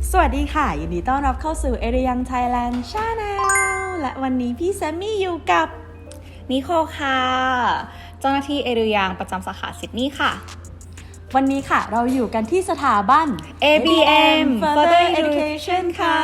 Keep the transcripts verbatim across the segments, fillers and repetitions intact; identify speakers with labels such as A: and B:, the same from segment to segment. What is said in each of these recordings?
A: สวัสดีค่ะยินดีต้อนรับเข้าสู่เอเรียงไทยแลนด์ชาแนลและวันนี้พี่แซมมี่อยู่กับ
B: นิโคค่ะเจ้าหน้าที่เอเรียงประจำสาขาซิดนีย์ค่ะ
A: วันนี้ค่ะเราอยู่กันที่สถาบัน
B: เอ บี เอ็ม
A: Further Education ค่ะ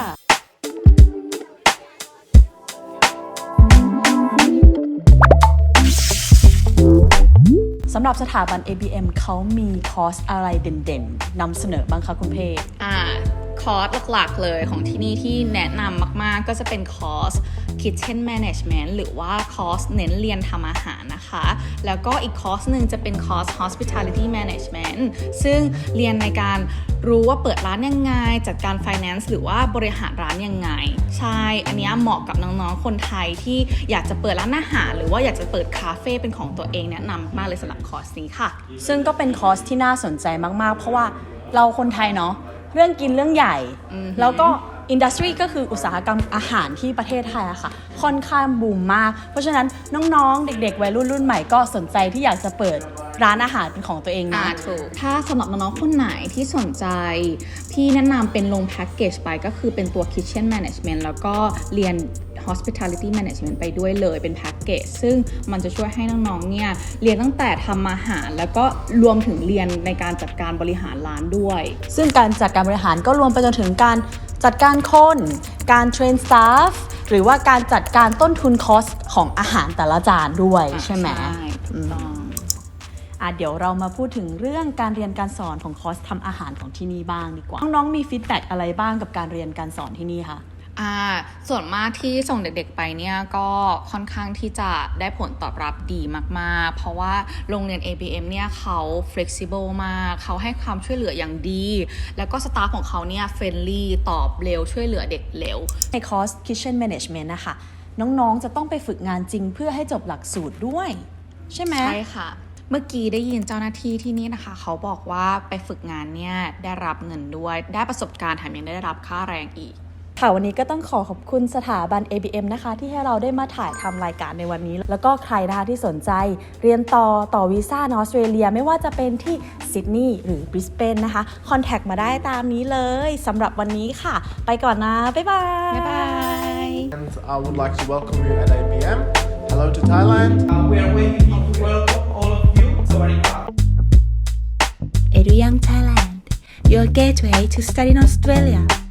A: สำหรับสถาบัน เอ บี เอ็ม เขามีคอร์สอะไรเด่นๆนำเสนอบ้างคะคุณเพชร
B: อ่าคอร์สหลักๆเลยของที่นี่ที่แนะนำมากๆก็จะเป็นคอร์ส Kitchen Management หรือว่าคอร์สเน้นเรียนทำอาหารนะคะแล้วก็อีกคอร์สหนึ่งจะเป็นคอร์ส Hospitality Management ซึ่งเรียนในการรู้ว่าเปิดร้านยังไงจัดการ Finance หรือว่าบริหารร้านยังไงใช่อันนี้เหมาะกับน้องๆคนไทยที่อยากจะเปิดร้านอาหารหรือว่าอยากจะเปิดคาเฟ่เป็นของตัวเองแนะนำมากเลยสำหรับคอร์สนี้ค่ะ
A: ซึ่งก็เป็นคอร์สที่น่าสนใจมากๆเพราะว่าเราคนไทยเนาะเรื่องกินเรื่องใหญ่แล้วก็อินดัสทรีก็คืออุตสาหกรรมอาหารที่ประเทศไทยอะค่ะค่อนข้างบูมมากเพราะฉะนั้นน้องๆเด็กๆวัยรุ่นรุ่นใหม่ก็สนใจที่อยากจะเปิดร้านอาหารเป็นของตัวเองนะ
B: ถูกถ้าสำหรับน้องๆคนไหนที่สนใจพี่แนะนำเป็นลงแพ็กเกจไปก็คือเป็นตัว Kitchen Management แล้วก็เรียน Hospitality Management ไปด้วยเลยเป็นแพ็กเกจซึ่งมันจะช่วยให้น้องๆเนี่ยเรียนตั้งแต่ทำอาหารแล้วก็รวมถึงเรียนในการจัดการบริหารร้านด้วย
A: ซึ่งการจัดการบริหารก็รวมไปจนถึงการจัดการคน การเทรนสตาฟหรือว่าการจัดการต้นทุนคอสของอาหารแต่ละจานด้วยใช่ไหม
B: ใช่ถูกต้อง
A: อ่ะเดี๋ยวเรามาพูดถึงเรื่องการเรียนการสอนของคอร์สทำอาหารของที่นี่บ้างดีกว่าน้องๆมีฟีดแบ็กอะไรบ้างกับการเรียนการสอนที่นี่คะ
B: อ่าส่วนมากที่ส่งเด็กๆไปเนี่ยก็ค่อนข้างที่จะได้ผลตอบรับดีมากๆเพราะว่าโรงเรียน เอ บี เอ็ม เนี่ยเขา flexible มากเขาให้ความช่วยเหลืออย่างดีแล้วก็สตาฟของเขาเนี่ย friendly ตอบเร็วช่วยเหลือเด็กเร็ว
A: ในคอร์ส Kitchen Management นะคะน้องๆจะต้องไปฝึกงานจริงเพื่อให้จบหลักสูตรด้วยใช่ไหม
B: ใช่ค่ะเมื่อกี้ได้ยินเจ้าหน้าที่ที่นี่นะคะเขาบอกว่าไปฝึกงานเนี่ยได้รับเงินด้วยได้ประสบการณ์แถมยังได้รับค่าแรงอีก
A: ค่ะวันนี้ก็ต้องขอขอบคุณสถาบัน เอ บี เอ็ม นะคะที่ให้เราได้มาถ่ายทำรายการในวันนี้แล้วก็ใครนะคะที่สนใจเรียนต่อต่อวีซ่าในออสเตรเลียไม่ว่าจะเป็นที่ซิดนีย์หรือบริสเบนนะคะคอนแทคมาได้ตามนี้เลยสำหรับวันนี้ค่ะไปก่อนนะบ๊ายบาย
B: บ๊ายบาย
C: And I would like to welcome you at เอ บี เอ็ม Hello to Thailand.
D: Uh, we are waiting to welcome all of you. Sawadee-ka.
E: Eduyoung Thailand, your gateway to study in Australia.